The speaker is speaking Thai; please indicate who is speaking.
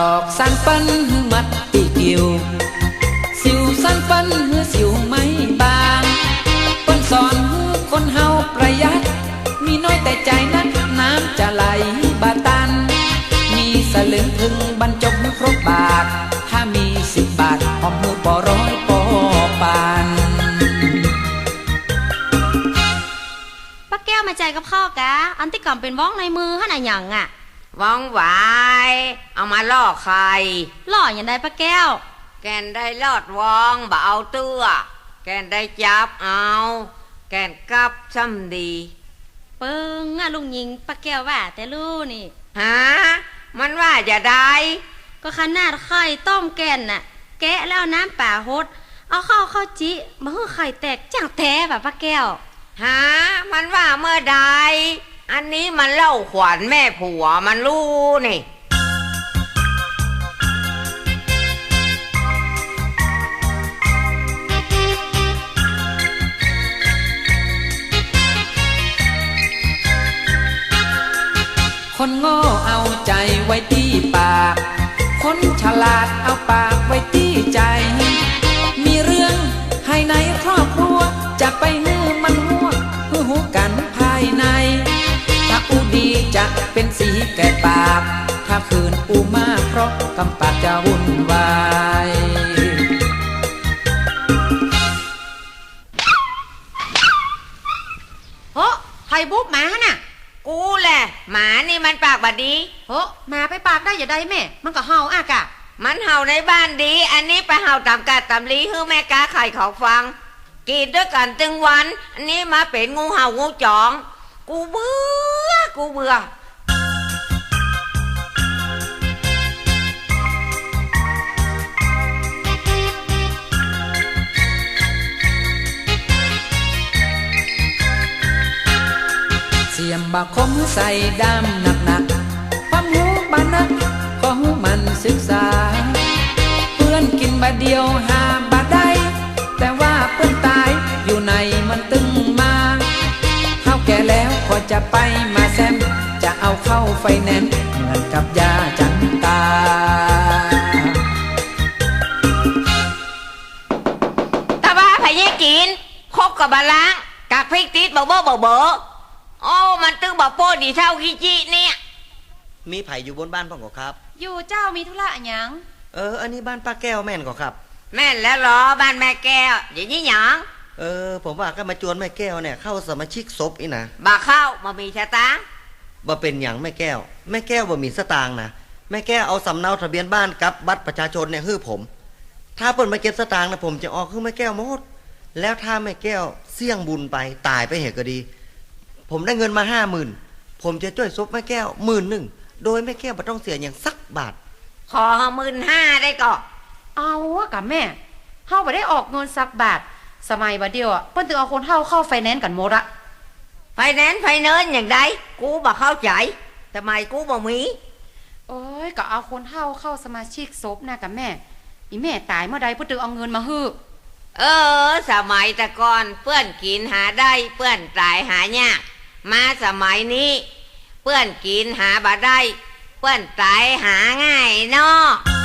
Speaker 1: อกสันปันหือมัดตีกิวสิวสันปันหือสิวไม่บางเปิ้นสอนหือคนเฮาประหยัดมีน้อยแต่ใจนักน้ำจะไหลบาตันมีสลึงถึงบรรจบครบบาทถ้ามี10 บาทหอมหือปอร้อยปอปาน
Speaker 2: ป้าแก้วมาใจกับข้อกะอันที่ก่อนเป็นว่องในมือฮะน่ะหยังอ่ะ
Speaker 3: ว่องหวายเอามาล่อใคร
Speaker 2: ล่ออย่างใดป้าแก้ว
Speaker 3: แกนได้ลอดว่องบ่เอาเตื้อแกนได้จับเอาแกนกับซ้ำดี
Speaker 2: เปิงอะลุงหญิงป้าแก้วว่าแต่ลู่นี่
Speaker 3: ฮะมันว่าจะได้
Speaker 2: ก็ขนาดไข่ต้มแกนน่ะแกะแล้วน้ำป่าฮดเอาเข้าจิมาให้ไข่แตกจังแท้แบบป้าแก้ว
Speaker 3: ฮะมันว่าเมื่อใดอันนี้มันเล่าขวัญแม่ผัวมันรู้นี่
Speaker 1: คนโง่เอาใจไว้ที่ปากคนฉลาดเอาปากไว้ที่ใจมีเรื่องให้ในครอบครัวจะไปฮื้อมันหัวฮื้อหูกันภายในถ้าอูดีจะเป็นสีแก่ปากถ้าคืนอูมากเพราะกำปากจะวุ่นวาย
Speaker 2: โอ้ใครบุ๊บหมาน่ะ
Speaker 3: กูแหละหมานี่มันปากบดี
Speaker 2: โอ้หมาไปปากได้อย่าได้แม่มันก็เห่าอากะ
Speaker 3: มันเห่าในบ้านดีอันนี้ไปเห่าตามกาตามลีฮื้อแม่กาไข่เขาฟังกินด้วยกันตึงวันอันนี้มาเป็นงูเห่างูจองกูเบื่อ
Speaker 1: เสียมบาคมใส่ดำหนักความหูบานักก็หูมันศึกษาเพื่อนกินบาเดียวหาบาได้แต่ว่าเพื่อนตายอยู่ในมันตึงมาเฮาแก่แล้วก็จะไปมาแซมจะเอาเข้าไฟแนนซ์เหมือนกับยาจันตา
Speaker 3: ตาบ้าพายกินคบกับบาล้างกากพริกติดเบอโอ้มันตึงบอกโป้ดีเท่าขี้จีเนี่ย
Speaker 4: มีไผ่อยู่บนบ้านพ่อก่อครับ
Speaker 2: อยู่เจ้ามีธุระหยัง
Speaker 4: อันนี้บ้านป้าแก้วแม่นก่อครับ
Speaker 3: แม่นแล้วเหรอบ้านแม่แก้วอย่างนี้หยัง
Speaker 4: ผมว่าก็มาจวนแม่แก้วเนี่ยเข้าสมาชิกศพอีนะ
Speaker 3: บ่เข้ามามีชะตา
Speaker 4: บ่เป็นอย่างแม่แก้วบ่มีสตางค์นะแม่แก้วเอาสำเนาทะเบียนบ้านกับบัตรประชาชนเนี่ยฮื้อผมถ้าเปิดมาเก็บสตางค์นะผมจะออกคือแม่แก้วหมดแล้วถ้าแม่แก้วเสี่ยงบุญไปตายไปเหตุก็ดีผมได้เงินมา50,000ผมจะช่วยซบแม่แก้ว10,000โดยแม่แก้วไม่ต้องเสียอย่างสักบาท
Speaker 3: ขอ15,000ได้ก่อ
Speaker 2: เอาอะกับแม่เฮาบ่ได้ออกเงินสักบาทสมัยบัดเดียวเปิ้นถึงเอาคนเฮาเข้าไฟแนนซ์กันหมดอะ
Speaker 3: ไฟแนนซ์อย่างใดกูบ่เข้าใจทำไมกูบ่มี
Speaker 2: โอ้ยก็เอาคนเฮาเข้าสมาชิกศพนะกับแม่อีแม่ตายเมื่อใดเพิ่นถึงเอาเงินมาฮื้อ
Speaker 3: สมัยแต่ก่อนเพื่อนกินหาได้เพื่อนตายหายากมาสมัยนี้เพื่อนกินหาบ่ได้เพื่อนตายหาง่ายเนาะ